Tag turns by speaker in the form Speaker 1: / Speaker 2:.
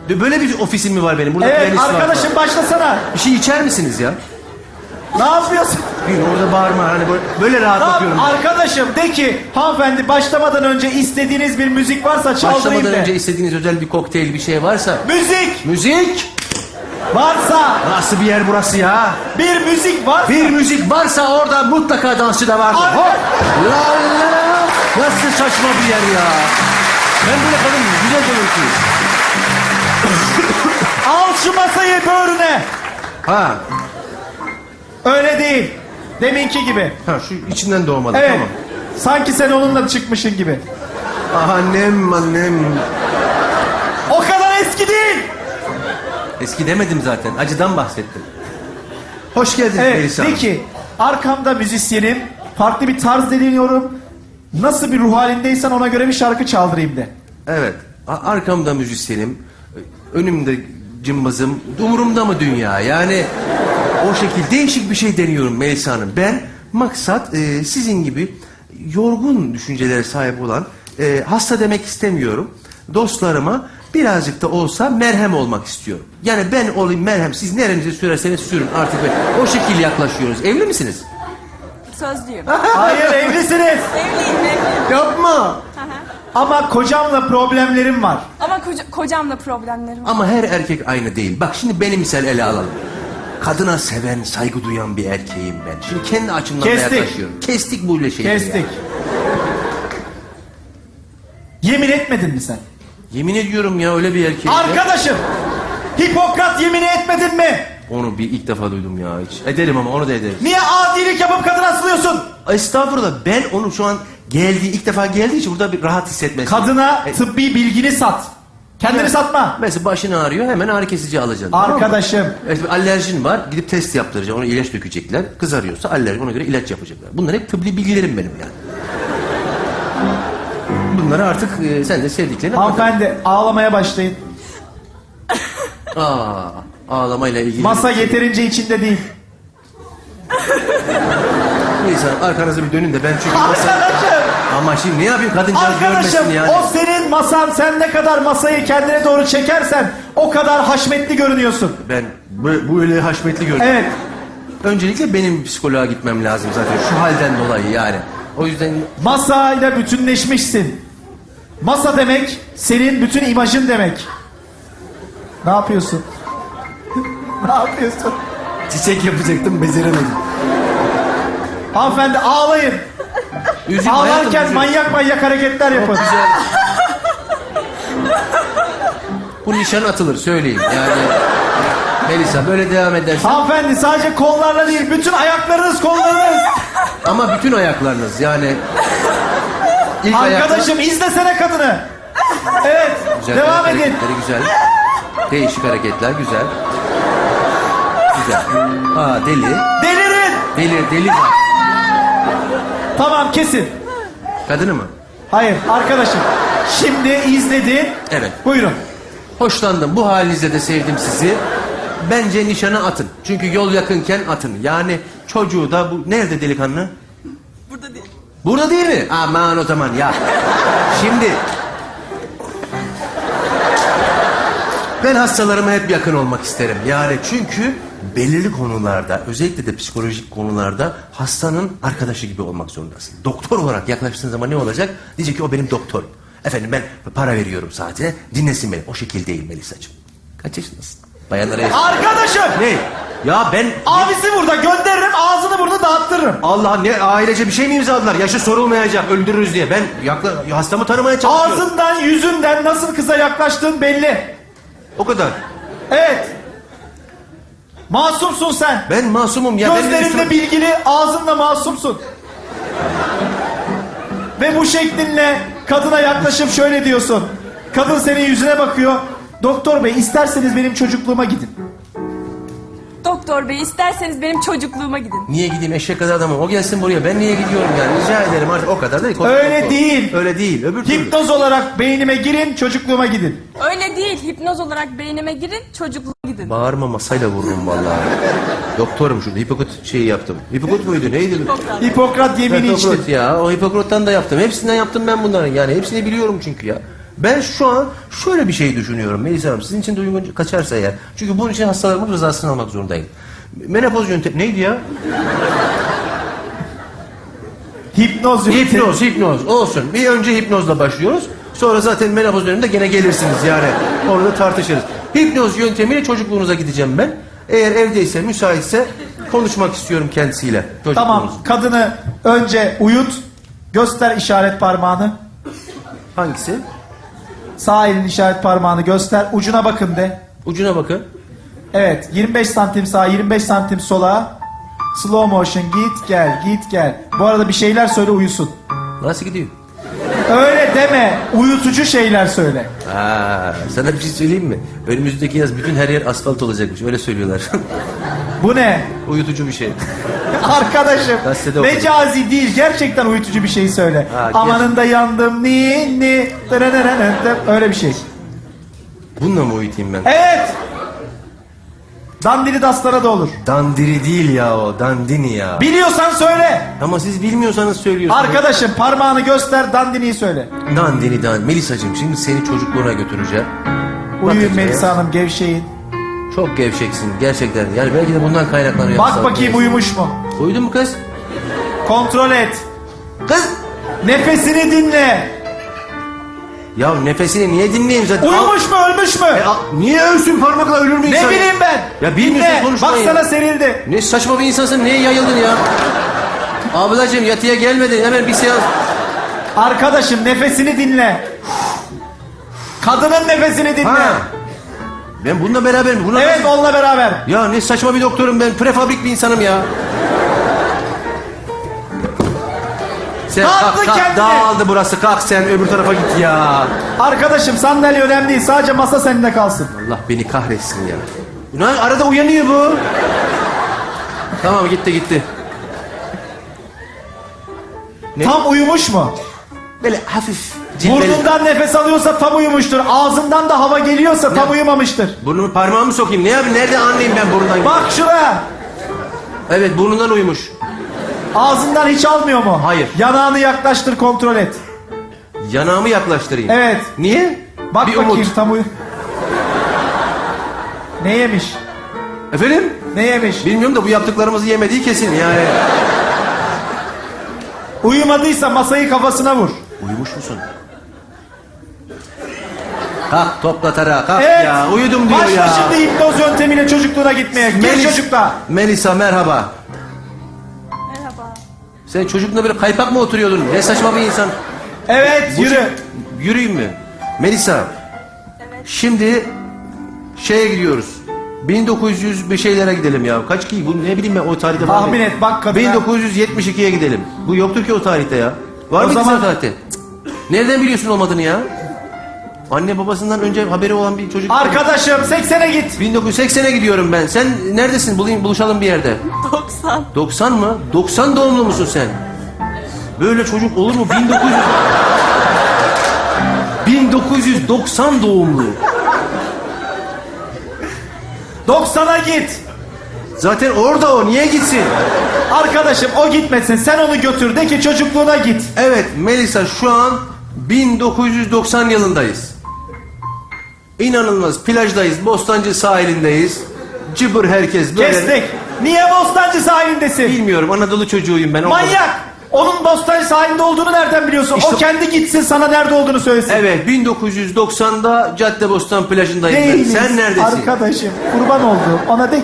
Speaker 1: Böyle bir ofisim mi var benim? Burada
Speaker 2: Evet
Speaker 1: piyanist var
Speaker 2: arkadaşım
Speaker 1: falan.
Speaker 2: başlasana.
Speaker 1: Bir şey içer misiniz ya?
Speaker 2: Ne yapıyorsun?
Speaker 1: Bir orada bağırma hani böyle rahat bakıyorum.
Speaker 2: Arkadaşım de ki hanımefendi başlamadan önce istediğiniz bir müzik varsa çaldırayım
Speaker 1: Başlamadan
Speaker 2: de.
Speaker 1: önce istediğiniz özel bir kokteyl bir şey varsa.
Speaker 2: Müzik
Speaker 1: Müzik!
Speaker 2: varsa.
Speaker 1: Nasıl bir yer burası ya?
Speaker 2: Bir müzik varsa.
Speaker 1: Bir müzik varsa orada mutlaka dansçı da vardır.
Speaker 2: Ar-
Speaker 1: Hop! La la! Nasıl saçma bir yer ya? Ben böyle kadın güzel konuşuyorum.
Speaker 2: Al şu masayı böğrüne.
Speaker 1: Ha,
Speaker 2: Öyle değil. Deminki gibi.
Speaker 1: ha şu içinden doğmadı
Speaker 2: Evet.
Speaker 1: tamam.
Speaker 2: Sanki sen onunla çıkmışın gibi.
Speaker 1: Ah annem.
Speaker 2: O kadar eski değil.
Speaker 1: Eski demedim zaten. Acıdan bahsettim. Hoş geldin
Speaker 2: Evet
Speaker 1: Melisa
Speaker 2: de
Speaker 1: Hanım.
Speaker 2: ki arkamda müzisyenim. Farklı bir tarz deniyorum. Nasıl bir ruh halindeysen ona göre bir şarkı çaldırayım de.
Speaker 1: Evet. Arkamda müzisyenim. Önümde cımbızım. Umurumda mı dünya? Yani o şekilde değişik bir şey deniyorum Melisa Hanım. Ben maksat sizin gibi yorgun düşüncelere sahip olan hasta demek istemiyorum. Dostlarıma birazcık da olsa merhem olmak istiyorum. Yani ben olayım merhem. Siz nerenize sürerseniz sürün artık. O şekilde yaklaşıyoruz. Evli misiniz?
Speaker 3: Sözlüyüm.
Speaker 2: Hayır evlisiniz.
Speaker 3: Evliyim.
Speaker 1: Yapma.
Speaker 2: Ama kocamla problemlerim var.
Speaker 3: Ama kocamla problemlerim var.
Speaker 1: Ama her erkek aynı değil. Bak şimdi beni misal ele alalım. Kadına seven, saygı duyan bir erkeğim ben. Şimdi kendi açımdan da
Speaker 2: Kestik.
Speaker 1: yaklaşıyorum. Kestik böyle şeyleri.
Speaker 2: Kestik.
Speaker 1: ya.
Speaker 2: Yemin etmedin mi sen?
Speaker 1: Yemin ediyorum ya öyle bir erkeğim. ya.
Speaker 2: Arkadaşım! Hipokrat yemini etmedin mi?
Speaker 1: Onu bir ilk defa duydum ya hiç. Ederim ama onu da ederim.
Speaker 2: Niye adilik yapıp kadına asılıyorsun?
Speaker 1: Estağfurullah ben onu şu an ilk defa geldiği için burada bir rahat hissetmesi.
Speaker 2: Kadına tıbbi bilgini sat. Kendini
Speaker 1: Evet.
Speaker 2: satma.
Speaker 1: Mesela başın ağrıyor hemen ağrı kesici alacaksın. tamam mı?
Speaker 2: Arkadaşım.
Speaker 1: Evet, bir alerjin var gidip test yaptıracaksın ona ilaç dökecekler. Kızarıyorsa alerji ona göre ilaç yapacaklar. Bunlar hep tıbbi bilgilerim benim yani. Bunları artık sen de sevdiklerine
Speaker 2: Hanımefendi ağlamaya başlayın.
Speaker 1: Ağlamayla ilgili.
Speaker 2: Masa yeterince içinde değil.
Speaker 1: Neyse arkanızı bir dönün de ben çünkü masa...
Speaker 2: Arkadaşım!
Speaker 1: Ama şimdi ne yapayım kadıncağız
Speaker 2: Arkadaşım
Speaker 1: görmesin yani.
Speaker 2: o senin masan, sen ne kadar masayı kendine doğru çekersen o kadar haşmetli görünüyorsun.
Speaker 1: Ben böyle haşmetli görünüyorum.
Speaker 2: Evet.
Speaker 1: Öncelikle benim psikoloğa gitmem lazım zaten şu halden dolayı yani. O yüzden
Speaker 2: Masayla bütünleşmişsin. Masa demek senin bütün imajın demek. Ne yapıyorsun? Ne yapıyorsun?
Speaker 1: çiçek yapacaktım beceremedim.
Speaker 2: Hanımefendi ağlayın.
Speaker 1: Üzüm hayatım,
Speaker 2: Ağlarken
Speaker 1: üzüm.
Speaker 2: manyak hareketler yapın.
Speaker 1: Güzel. Bu nişan atılır söyleyeyim yani. Melisa böyle devam edersen
Speaker 2: Hanımefendi sadece kollarla değil bütün ayaklarınız kollarınız.
Speaker 1: ama bütün ayaklarınız yani. İlk
Speaker 2: Arkadaşım izlesene kadını. Evet
Speaker 1: Güzel,
Speaker 2: devam
Speaker 1: ayak
Speaker 2: edin.
Speaker 1: hareketleri güzel. Değişik hareketler güzel. Güzel. Deli.
Speaker 2: Delirin.
Speaker 1: Deli var.
Speaker 2: Tamam kesin.
Speaker 1: Kadını mı?
Speaker 2: Hayır arkadaşım. Şimdi izledin.
Speaker 1: Evet.
Speaker 2: Buyurun.
Speaker 1: Hoşlandım. Bu halinizle de sevdim sizi. Bence nişana atın. Çünkü yol yakınken atın. Yani çocuğu da bu... Nerede delikanlı?
Speaker 3: Burada değil.
Speaker 1: Burada değil mi? Aman o zaman ya. Şimdi... Ben hastalarıma hep yakın olmak isterim. Yani çünkü belirli konularda, özellikle de psikolojik konularda hastanın arkadaşı gibi olmak zorundasın. Doktor olarak yaklaştığın zaman ne olacak? Diyecek ki o benim doktorum. Efendim ben para veriyorum saatine, dinlesin beni. O şekil değil Melisa'cığım. Kaç yaşındasın? Bayanlara
Speaker 2: Arkadaşım.
Speaker 1: Ne? Ya ben...
Speaker 2: Abisi burada gönderirim ağzını burada dağıttırırım.
Speaker 1: Allah ne ailece bir şey mi imzaladılar? Yaşı sorulmayacak, öldürürüz diye. Ben hastamı tanımaya çalışıyorum.
Speaker 2: Ağzından yüzünden nasıl kıza yaklaştığın belli.
Speaker 1: O kadar.
Speaker 2: Evet. Masumsun sen.
Speaker 1: Ben masumum ya.
Speaker 2: Gözlerinde bilgili, ağzınla masumsun. Ve bu şeklinle kadına yaklaşıp şöyle diyorsun. Kadın senin yüzüne bakıyor. Doktor bey isterseniz benim çocukluğuma gidin.
Speaker 3: Doktor bey isterseniz benim çocukluğuma gidin.
Speaker 1: Niye gideyim eşek kadar adamım? O gelsin buraya. Ben niye gidiyorum yani? Rica ederim artık o kadar değil.
Speaker 2: Öyle değil.
Speaker 1: Öyle değil. Öbür türlü.
Speaker 2: Hipnoz olarak beynime girin, çocukluğuma gidin.
Speaker 3: Öyle değil. Hipnoz olarak beynime girin, çocukluğuma gidin.
Speaker 1: Bağırma masayla vururum vallahi. Doktorum şurada. Hipokrat şeyi yaptım. Hipokrat muydu? Neydi?
Speaker 2: Hipokrat yemini
Speaker 1: Hipokrat
Speaker 2: içtin.
Speaker 1: ya. O Hipokrat'tan da yaptım. Hepsinden yaptım ben bunların. Yani hepsini biliyorum çünkü ya. Ben şu an şöyle bir şey düşünüyorum Melisa Hanım. Sizin için de uygun kaçarsa eğer. Çünkü bunun için hastalarımın rızasını almak zorundayım. Menopoz yöntemi neydi ya?
Speaker 2: Hipnoz.
Speaker 1: Hipnoz olsun. Bir önce hipnozla başlıyoruz. Sonra zaten menopoz döneminde gene gelirsiniz yani. Orada tartışırız. Hipnoz yöntemiyle çocukluğunuza gideceğim ben. Eğer evdeyse, müsaitse konuşmak istiyorum kendisiyle.
Speaker 2: Tamam, kadını önce uyut. Göster işaret parmağını.
Speaker 1: Hangisi?
Speaker 2: Sağ elin işaret parmağını göster. Ucuna bakın de.
Speaker 1: Ucuna bakın.
Speaker 2: Evet, 25 santim sağa, 25 santim sola. Slow motion, git gel, git gel. Bu arada bir şeyler söyle, uyusun.
Speaker 1: Nasıl gidiyor?
Speaker 2: Öyle deme, uyutucu şeyler söyle.
Speaker 1: Sana bir şey söyleyeyim mi? Önümüzdeki yaz bütün her yer asfalt olacakmış. Öyle söylüyorlar.
Speaker 2: Bu ne?
Speaker 1: Uyutucu bir şey.
Speaker 2: Arkadaşım,
Speaker 1: Gazetede okudum.
Speaker 2: mecazi değil, gerçekten uyutucu bir şey söyle. Amanında yandım, ni, öyle bir şey.
Speaker 1: Bununla mı uyutayım ben?
Speaker 2: Evet! Dandini dastana da olur.
Speaker 1: Dandiri değil ya o. Dandini ya.
Speaker 2: Biliyorsan söyle.
Speaker 1: Ama siz bilmiyorsanız söylüyorsunuz.
Speaker 2: Arkadaşım parmağını göster, dandiniyi söyle.
Speaker 1: Dandini. Melisacığım şimdi seni çocukluğuna götüreceğim.
Speaker 2: Uyuyun
Speaker 1: Bakacağız.
Speaker 2: Melisa Hanım, gevşeyin.
Speaker 1: Çok gevşeksin gerçekten. Yani belki de bundan kaynaklanıyor.
Speaker 2: Bak bakayım uyumuş mu?
Speaker 1: Uyudun mu kız?
Speaker 2: Kontrol et.
Speaker 1: Kız!
Speaker 2: Nefesini dinle.
Speaker 1: Ya nefesini niye dinleyeyim zaten?
Speaker 2: Uyumuş mu, ölmüş mü?
Speaker 1: Niye ölsün parmakla ölür mü insan?
Speaker 2: Ne bileyim ben.
Speaker 1: Ya bilmiyorsun,
Speaker 2: Dinle.
Speaker 1: konuşmayın
Speaker 2: Bak
Speaker 1: ya.
Speaker 2: sana serildi.
Speaker 1: Ne saçma bir insansın, niye yayıldın ya? Ablacığım yatıya gelmedin, hemen bir seans.
Speaker 2: Arkadaşım nefesini dinle. Kadının nefesini dinle.
Speaker 1: Ha. Ben bununla beraber mi?
Speaker 2: Evet, onunla beraber.
Speaker 1: Ya ne saçma bir doktorum ben, prefabrik bir insanım ya. Sen
Speaker 2: Kalktı
Speaker 1: kalk,
Speaker 2: kendine.
Speaker 1: dağıldı burası, kalk sen öbür tarafa git ya.
Speaker 2: Arkadaşım sandalye önemli değil. Sadece masa seninle kalsın.
Speaker 1: Allah beni kahretsin ya. Ulan arada uyanıyor bu. Tamam gitti. Ne?
Speaker 2: Tam uyumuş mu?
Speaker 1: Böyle hafif cilveli.
Speaker 2: Burnundan nefes alıyorsa tam uyumuştur. Ağzından da hava geliyorsa tam uyumamıştır.
Speaker 1: Burnumu parmağımı sokayım. Ne yapayım? Nerede anlayayım ben burnundan?
Speaker 2: Bak şuraya.
Speaker 1: Evet burnundan uyumuş.
Speaker 2: Ağzından hiç almıyor mu?
Speaker 1: Hayır.
Speaker 2: Yanağını yaklaştır, kontrol et.
Speaker 1: Yanağımı yaklaştırayım.
Speaker 2: Evet.
Speaker 1: Niye?
Speaker 2: Bak
Speaker 1: bir
Speaker 2: bakayım
Speaker 1: umut.
Speaker 2: tam Ne yemiş?
Speaker 1: Efendim?
Speaker 2: Ne yemiş?
Speaker 1: Bilmiyorum da bu yaptıklarımızı yemediği kesin yani.
Speaker 2: Uyumadıysa masayı kafasına vur.
Speaker 1: Uyumuş musun? Kalk topla tarağı kalk
Speaker 2: Evet.
Speaker 1: ya. Uyudum diyor
Speaker 2: Başla
Speaker 1: ya.
Speaker 2: şimdi hipnoz yöntemiyle çocukluğuna gitmeye. Gel çocukla.
Speaker 1: Melisa merhaba.
Speaker 3: Merhaba.
Speaker 1: Sen çocukla böyle kaypak mı oturuyordun? Ne saçma bir insan.
Speaker 2: Evet,
Speaker 1: Bu
Speaker 2: yürü.
Speaker 1: şey- Yürüyeyim mi? Melisa.
Speaker 3: Evet.
Speaker 1: Şimdi şeye gidiyoruz. 1900 bir şeylere gidelim ya. Kaç ki? Bu ne bileyim ben o tarihte var mı?
Speaker 2: Tahmin et, bak kadına.
Speaker 1: 1972'ye gidelim. Bu yoktur ki o tarihte ya. Var
Speaker 2: O
Speaker 1: mı
Speaker 2: zaman-
Speaker 1: o tarihte? Cık. Nereden biliyorsun olmadığını ya? Anne babasından önce haberi olan bir çocuk.
Speaker 2: Arkadaşım 80'e git.
Speaker 1: 1980'e gidiyorum ben. Sen neredesin? Buluşalım bir yerde.
Speaker 3: 90.
Speaker 1: 90 mı? 90 doğumlu musun sen? Böyle çocuk olur mu? 1990 doğumlu.
Speaker 2: 90'a git.
Speaker 1: Zaten orada o. Niye gitsin?
Speaker 2: Arkadaşım o gitmesin. Sen onu götür. De ki çocukluğuna git.
Speaker 1: Evet Melisa şu an 1990 yılındayız. İnanılmaz plajdayız. Bostancı sahilindeyiz. Cıbır herkes böyle.
Speaker 2: Kestik. Niye Bostancı sahilindesin?
Speaker 1: Bilmiyorum Anadolu çocuğuyum ben.
Speaker 2: Manyak. Onun Bostancı sahilinde olduğunu nereden biliyorsun?
Speaker 1: İşte-
Speaker 2: O kendi gitsin, sana nerede olduğunu söylesin.
Speaker 1: Evet 1990'da Caddebostan plajındayım ben.
Speaker 2: Değiliz.
Speaker 1: Sen neredesin?
Speaker 2: Arkadaşım kurban olduğum. Ona de